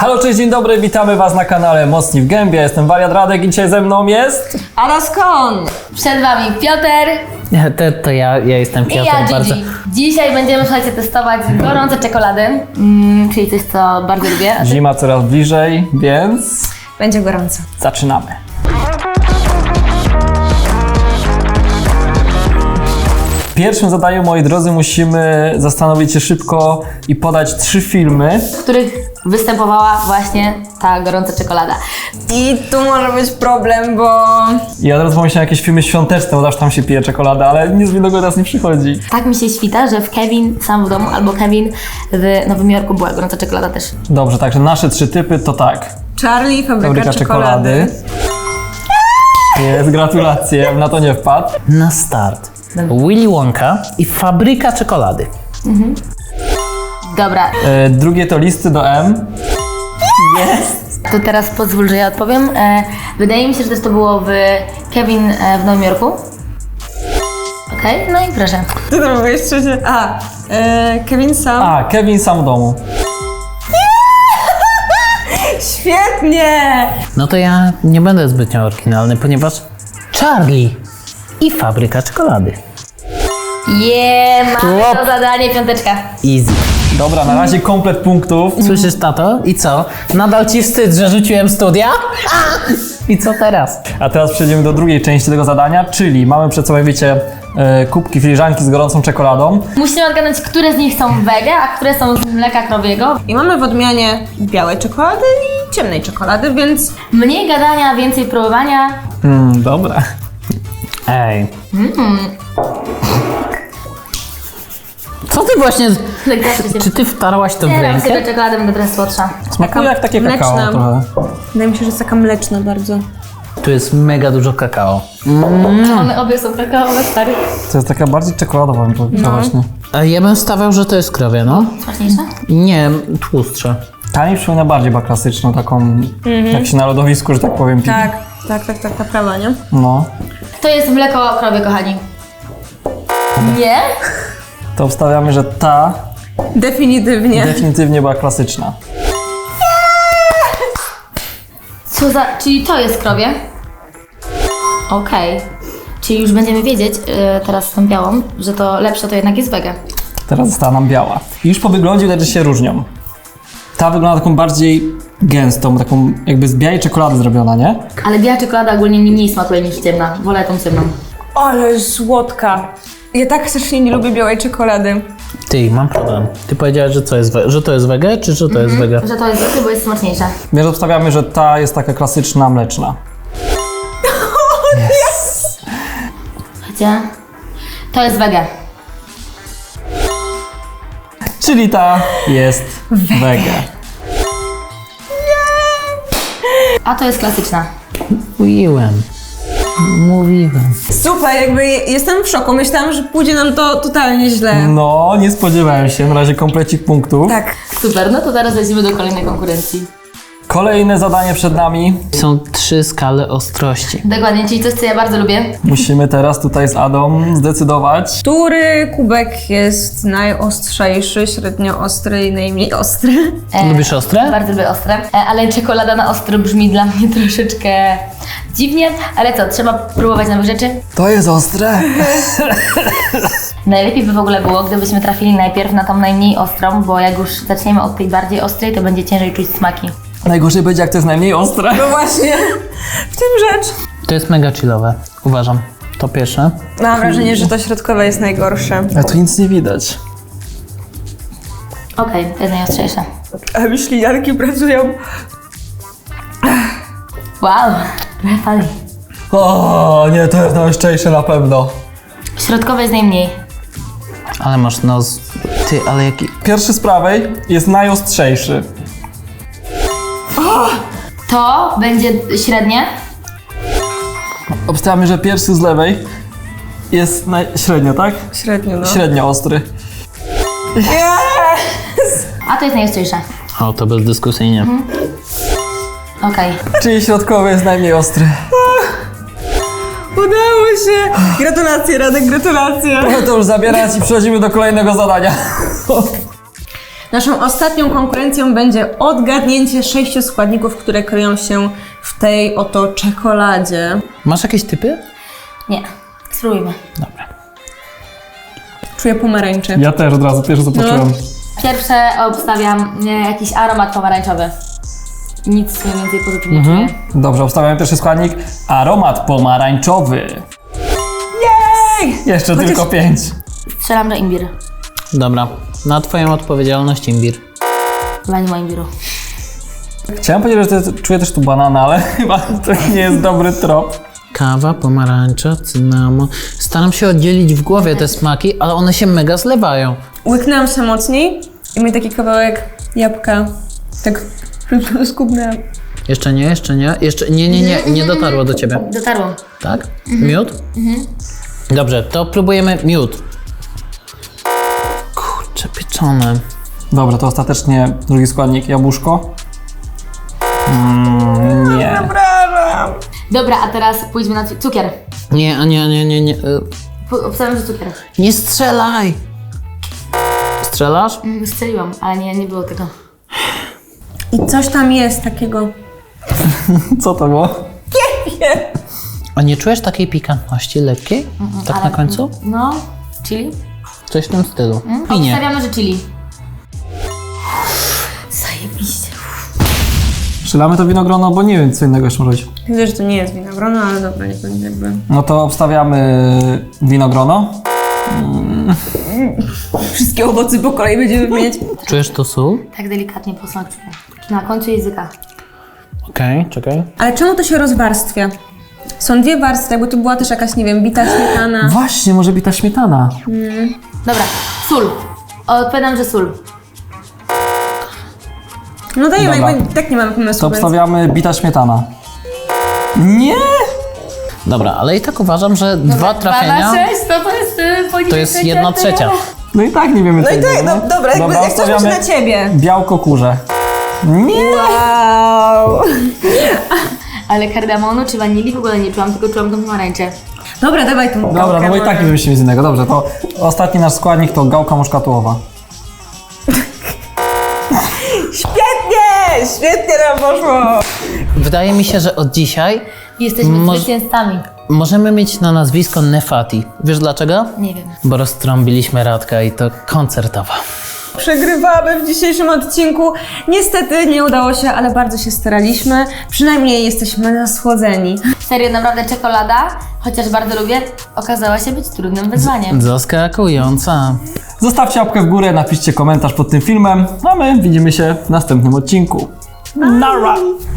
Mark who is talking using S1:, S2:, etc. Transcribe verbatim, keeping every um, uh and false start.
S1: Halo, cześć, dzień dobry, witamy Was na kanale Mocni w Gębie. Jestem Wariat Radek i dzisiaj ze mną jest...
S2: Ala skąd?
S3: Przed Wami Piotr
S4: To, to ja, ja jestem
S3: i
S4: Piotr
S3: ja, Gigi.
S4: bardzo.
S3: Dzisiaj będziemy, słuchajcie, testować gorące czekolady, mm, czyli coś, co bardzo lubię. A ty?
S1: Zima coraz bliżej, więc
S2: Będzie gorąco.
S1: zaczynamy. W pierwszym zadaniu, moi drodzy, musimy zastanowić się szybko i podać trzy filmy.
S3: W których występowała właśnie ta gorąca czekolada.
S2: I tu może być problem, bo...
S1: Ja od razu pomyślałem jakieś filmy świąteczne, bo zawsze tam się pije czekolada, ale nic mi do głowy teraz nie przychodzi.
S3: Tak mi się świta, że w Kevin sam w domu albo Kevin w Nowym Jorku była gorąca czekolada też.
S1: Dobrze, także nasze trzy typy to tak.
S2: Charlie, fabryka,
S1: Fabryka
S2: czekolady.
S1: czekolady. Jest, gratulacje, bym na to nie wpadł.
S4: Na start. Willy Wonka i fabryka czekolady.
S3: Dobra,
S1: E, drugie to listy do M.
S3: to teraz pozwól, że ja odpowiem. E, wydaje mi się, że też to było w Kevin e, w Nowym Jorku. Okej, no i proszę.
S2: Ty to mówisz trzecie. A, e, Kevin sam.
S1: A, Kevin sam w domu.
S2: Świetnie!
S4: No to ja nie będę zbytnio oryginalny, ponieważ Charlie i fabryka czekolady.
S3: Je, mamy
S4: Łop.
S3: to zadanie, piąteczka.
S4: Easy.
S1: Dobra, na razie komplet punktów.
S4: Słyszysz, tato? I co? Nadal ci wstyd, że rzuciłem studia? A! I co teraz?
S1: A teraz przejdziemy do drugiej części tego zadania, czyli mamy przed sobą, wiecie, e, kubki filiżanki z gorącą czekoladą.
S3: Musimy odgadnąć, które z nich są wege, a które są z mleka krowiego.
S2: I mamy w odmianie białej czekolady i ciemnej czekolady, więc...
S3: Mniej gadania, więcej próbowania.
S1: Mm, dobra.
S4: Ej. Co ty właśnie... z- Czy ty wtarłaś to w
S3: Nie dam sobie
S4: rękę?
S3: czekoladę, będę teraz słodsza.
S1: Smakuje jak takie kakao
S2: mleczna.
S1: trochę.
S2: Wydaje mi się, że jest taka mleczna bardzo.
S4: Tu jest mega dużo kakao.
S3: One obie są kakaowe, stary.
S1: To jest taka bardziej czekoladowa, bym powiedział właśnie.
S4: A ja bym stawiał, że to jest krowie, no.
S3: Smaczniejsze?
S4: Nie, tłustsze.
S1: Ta mi przypomina bardziej chyba klasyczną, taką jak się na lodowisku, że tak powiem, pije.
S2: Tak, tak, tak, tak, ta prawa, nie?
S1: No.
S3: To jest mleko krowie, kochani. Nie?
S1: To wstawiamy, że ta
S2: Definitywnie.
S1: definitywnie była klasyczna.
S3: Co za... Czyli to jest krowie? Okej. Czyli już będziemy wiedzieć, yy, teraz z tą białą, że to lepsze to jednak jest wege.
S1: Teraz została nam biała. I już po wyglądzie widać, że się różnią. Ta wygląda taką bardziej gęstą, taką jakby z białej czekolady zrobiona, nie?
S3: Ale biała czekolada ogólnie mi mniej smakuje niż ciemna. Wolę tą ciemną.
S2: Ale słodka. Ja tak strasznie nie lubię białej czekolady.
S4: Ty, mam problem. Ty powiedziałaś, że, co jest we, że to jest wege, czy że to jest wege?
S3: Że to jest wege, bo jest smaczniejsza.
S1: Więc obstawiamy, że ta jest taka klasyczna, mleczna.
S3: Gdzie? To jest wege.
S1: Czyli ta jest wege.
S3: A to jest klasyczna.
S4: Mówiłem. Mówiłem.
S2: Super, jakby jestem w szoku. Myślałam, że pójdzie nam to totalnie źle.
S1: No, nie spodziewałem się. Na razie komplecik punktów.
S2: Tak.
S3: Super, no to teraz lecimy do kolejnej konkurencji.
S1: Kolejne zadanie przed nami.
S4: Są trzy skale ostrości.
S3: Dokładnie, czyli coś, co ja bardzo lubię.
S1: Musimy teraz tutaj z Adą zdecydować.
S2: Który kubek jest najostrzejszy, średnio ostry i najmniej ostry?
S3: E,
S4: Lubisz ostre?
S3: Bardzo lubię ostre, e, ale czekolada na ostro brzmi dla mnie troszeczkę dziwnie, ale co, trzeba próbować nowych rzeczy.
S1: To jest ostre.
S3: Najlepiej by w ogóle było, gdybyśmy trafili najpierw na tą najmniej ostrą, bo jak już zaczniemy od tej bardziej ostrej, to będzie ciężej czuć smaki.
S1: Najgorzej będzie, jak to jest najmniej ostre.
S2: No właśnie, w tym rzecz.
S4: To jest mega chillowe, uważam. To pierwsze.
S2: Mam wrażenie, że to środkowe jest najgorsze.
S1: A tu nic nie widać.
S3: Okej, to jest najostrzejsze.
S2: A myśli Janki pracują.
S3: Wow, trochę fali.
S1: O nie, to jest najostrzejsze na pewno.
S3: Środkowe jest najmniej.
S4: Ale masz nos... Ty, ale jaki...
S1: Pierwszy z prawej jest najostrzejszy.
S3: To będzie średnie.
S1: Obstawiamy, że pierwszy z lewej jest naj... średnio, tak?
S2: Średnio, no.
S1: Średnio ostry.
S3: A to jest najostrzejsze.
S4: O, to bezdyskusyjnie.
S3: Okej.
S1: Czyli środkowy jest najmniej ostry.
S2: Udało się! Gratulacje, Radek, gratulacje!
S1: Mogę to już zabierać i przechodzimy do kolejnego zadania.
S2: Naszą ostatnią konkurencją będzie odgadnięcie sześciu składników, które kryją się w tej oto czekoladzie.
S4: Masz jakieś typy?
S3: Nie, spróbujmy.
S4: Dobra.
S2: Czuję pomarańcze.
S1: Ja też od razu pierwsze co poczułem.
S3: Pierwsze obstawiam nie, jakiś aromat pomarańczowy. Nic mniej więcej pozytywnie
S1: Mhm.
S3: czuję.
S1: Dobrze, obstawiamy pierwszy składnik. Aromat pomarańczowy. Jej! Jeszcze
S2: Chociaż-
S1: tylko pięć.
S3: Strzelam do imbir.
S4: Dobra, na twoją odpowiedzialność imbir.
S3: Chyba nie ma imbiru.
S1: Chciałem powiedzieć, że to, czuję też tu banana, ale chyba to nie jest dobry trop.
S4: Kawa, pomarańcza, cynamon. Staram się oddzielić w głowie te smaki, ale one się mega zlewają.
S2: Łyknęłam się mocniej i mi taki kawałek jabłka tak skubnęłam.
S4: Jeszcze nie, jeszcze nie, jeszcze nie, nie, nie, nie dotarło do ciebie.
S3: Dotarło.
S4: Tak? Miód? Dobrze, to próbujemy miód. Kurczę, pieczone.
S1: Dobra, to ostatecznie drugi składnik, jabłuszko. Mm, nie.
S3: Dobra, a teraz pójdźmy na cu- cukier.
S4: Nie, a nie, nie, nie, nie. y,
S3: P- Obstawiam, że cukier.
S4: Nie strzelaj! Strzelasz?
S3: Mm, Strzeliłam, ale nie, nie było tego.
S2: I coś tam jest takiego.
S1: Co to było?
S4: A nie czujesz takiej pikantności lekkiej? Tak
S3: ale-
S4: na końcu?
S3: No, chili?
S4: Coś w tym stylu. I nie.
S3: Obstawiamy, że chili. Zajebiście.
S1: Strzelamy to winogrono, bo nie wiem co innego jeszcze może być.
S2: Widzę, że to nie jest winogrono, ale dobra, nie będzie jakby.
S1: No to obstawiamy winogrono.
S2: Wszystkie owoce po kolei będziemy mieć.
S4: Czujesz to sól?
S3: Tak delikatnie po smaku. Na końcu języka.
S4: Okej, czekaj.
S2: Ale czemu to się rozwarstwia? Są dwie warstwy, jakby tu była też jakaś, nie wiem, bita śmietana.
S1: Właśnie, może być ta śmietana.
S3: Dobra, sól. Odpowiadam, że sól.
S2: No dajemy,
S1: Dobra.
S2: jakby tak nie mamy pomysłu.
S1: To
S2: więc-
S1: obstawiamy bita śmietana. Nie!
S4: Dobra, ale i tak uważam, że dwa trafienia
S3: sześć, to to jest y,
S4: to jest jedna trzecia.
S1: No i tak nie wiemy
S2: No
S1: co
S2: i tak,
S1: innego,
S2: no dobra, jakby, jak coś
S1: obstawiamy
S2: na ciebie.
S1: białko kurze. Nie!
S2: Wow.
S3: Ale kardamonu czy wanilii w ogóle nie czułam, tylko czułam tą pomarańczę.
S2: Dobra, dawaj tą
S1: Dobra,
S2: gałkę
S1: no bo i tak
S2: może.
S1: nie wymyślimy z innego. Dobrze, to ostatni nasz składnik to gałka muszkatułowa.
S2: Świetnie! Świetnie nam poszło!
S4: Wydaje mi się, że od dzisiaj
S3: Jesteśmy
S4: Moż-
S3: zwycięzcami.
S4: możemy mieć na nazwisko Nefati. Wiesz dlaczego?
S3: Nie wiem.
S4: Bo roztrąbiliśmy Radka i to koncertowa.
S2: Przegrywamy w dzisiejszym odcinku. Niestety nie udało się, ale bardzo się staraliśmy. Przynajmniej jesteśmy nasłodzeni.
S3: Serio, naprawdę czekolada, chociaż bardzo lubię, okazała się być trudnym wyzwaniem.
S4: Zaskakująca.
S1: Zostawcie łapkę w górę, napiszcie komentarz pod tym filmem, a my widzimy się w następnym odcinku. Nara!